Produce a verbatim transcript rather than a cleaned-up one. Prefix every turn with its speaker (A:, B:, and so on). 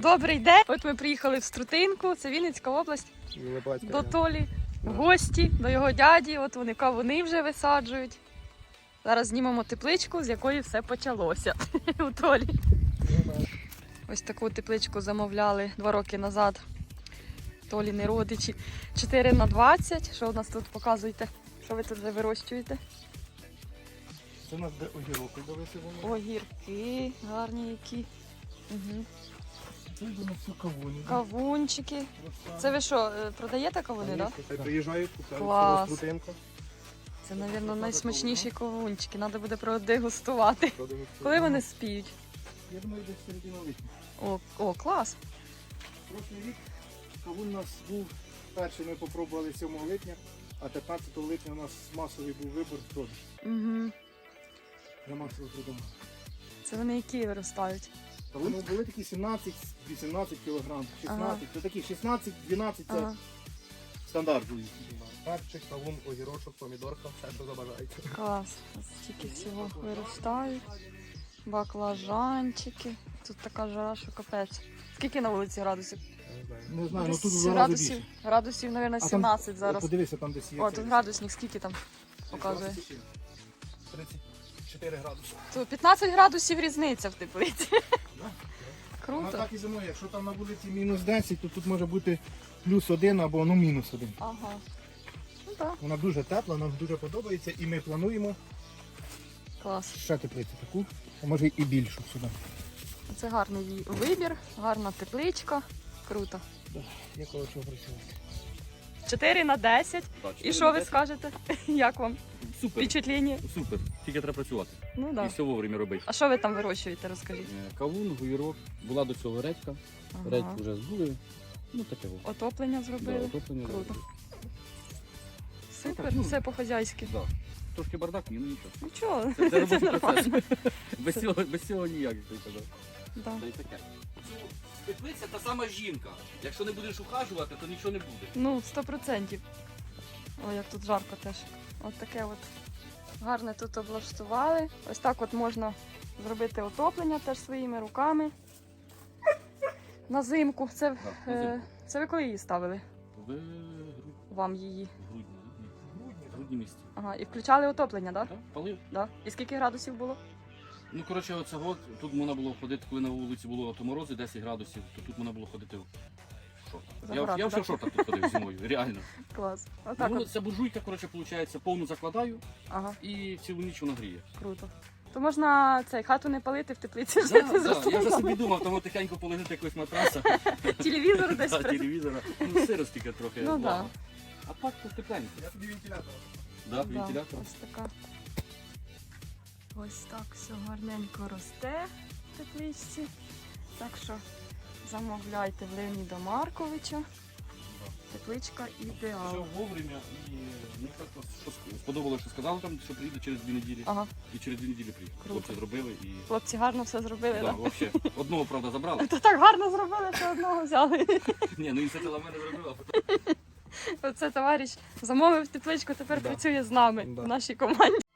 A: Добрий день! От ми приїхали в Струтинку, це Вінницька область, до Толі, в гості, до його дяді. От вони кавуни вже висаджують. Зараз знімемо тепличку, з якої все почалося у Толі. Ось таку тепличку замовляли два роки назад. Толіни родичі. чотири на двадцять. Що у нас тут показуєте? Що ви тут вже вирощуєте?
B: Це у нас де огірок висівали.
A: Огірки гарні які. Угу.
B: Це у нас все кавуни.
A: Кавунчики. Це ви що, продаєте кавуни, так?
B: Да? Приїжджають, купляють.
A: Клас.
B: Струтинка.
A: Це, мабуть, найсмачніші кавунчики. Треба буде продегустувати. Коли вони спіють?
B: Я думаю, десь середина липня.
A: О, о, клас.
B: Прошлий рік кавун у нас був, перший ми попробували сьомого липня, а п'ятнадцятого липня у нас масовий був вибор в продаж.
A: Угу.
B: Я масово придумав.
A: Це вони які виростають?
B: Кавуни були такі сімнадцять-вісімнадцять кілограм, шістнадцять,
A: Ага.
B: це такі шістнадцять-дванадцять це
A: Ага.
B: стандарт був. Перчик, кавун, огірочок, помідорка, все, що забажаєте.
A: Клас. Ось стільки всього виростають. Баклажанчики. Тут така жара, що капець. Скільки на вулиці градусів?
B: Не знаю, ну
A: Десь
B: тут вже рази
A: градусів,
B: більше.
A: градусів, мабуть,
B: А там,
A: сімнадцять зараз.
B: Подивися, там десь є.
A: О,
B: цей
A: тут градусник, скільки там показує?
B: тридцять чотири градуси.
A: То п'ятнадцять градусів різниця в теплиці.
B: Вона
A: Круто.
B: так і зимує. Якщо там на вулиці мінус десять, то тут може бути плюс один або ну мінус один.
A: Ага. Ну так,
B: Вона дуже тепла, нам дуже подобається і ми плануємо
A: клас.
B: ще теплицю таку, а може і більшу сюди.
A: Це гарний її вибір, гарна тепличка. Круто.
B: Є коло чого працювати.
A: чотири на десять.
C: Так,
A: І що ви скажете? Як вам
C: Супер,
A: впечатлення?
C: супер. Тільки треба працювати.
A: Ну
C: І
A: так.
C: все вовремя робити.
A: А що ви там вирощуєте, розкажіть?
C: Е, Кавун, гуйрок, була до цього редька. Редьку вже збули. Ну таке во.
A: Отоплення
C: Да,
A: зробили.
C: отоплення.
A: Круто.
C: Да.
A: Супер,
C: Ну,
A: все по-хазяйськи.
C: Да. Трошки бардак, ні, ну нічого.
A: Нічого,
C: Це, це
A: це
C: робочий процес.
A: нормально.
C: Без цього, без цього ніяк, як ти казав.
A: Да.
C: Та й таке. Теплиця та сама жінка. Якщо не будеш ухажувати, то нічого не буде.
A: Ну, сто процентів. Ой, як тут жарко теж. От таке от гарне тут облаштували. Ось так от можна зробити отоплення теж своїми руками. На зимку. Це,
C: Так, на
A: е,
C: зимку.
A: це ви коли її ставили?
C: В грудні,
A: Вам її.
C: грудні, грудні місяці.
A: Ага, і включали отоплення, так?
C: Так, палив.
A: Да? І скільки градусів було?
C: Ну, коротше, оцього, тут можна було ходити, коли на вулиці було то морози десять градусів, то тут можна було ходити в шортах. Я,
A: Загорати,
C: я вже
A: да?
C: в шортах тут ходив зимою, реально.
A: Клас. Отак
C: Ну,
A: от.
C: ця буржуйка, коротше, виходить, повну закладаю
A: Ага,
C: і цілу ніч вона гріє.
A: круто. То можна цей хату не палити в теплиці,
C: Да,
A: жити
C: да,
A: за
C: я вже
A: столом.
C: собі думав, тому тихенько полежити якогось матраса,
A: Телевізор десь.
C: да,
A: при-
C: телевізора, ну сирость тільки трохи.
A: Ну,
C: влага.
A: да.
C: А так тут тепленько.
B: Я тобі вентилятор.
C: Да,
A: Да,
C: вентилятор.
A: ось така. Ось так все гарненько росте в тепличці. Так що замовляйте в Леоніда Марковича. Тепличка
C: Все
A: ідеал.
C: вовремя і мені так що сподобалося, що сказали там, що приїде через дві неділі.
A: Ага,
C: І через дві неділі приїхали.
A: Круто.
C: Хлопці зробили і...
A: хлопці гарно все зробили,
C: Да,
A: так?
C: вообще. Одного, правда, забрали.
A: То так гарно зробили, що одного взяли.
C: Ні, ну ініціатива мене зробила, а потім
A: Оце товариш замовив тепличку, тепер
B: Да.
A: працює з нами
B: Да.
A: в нашій команді.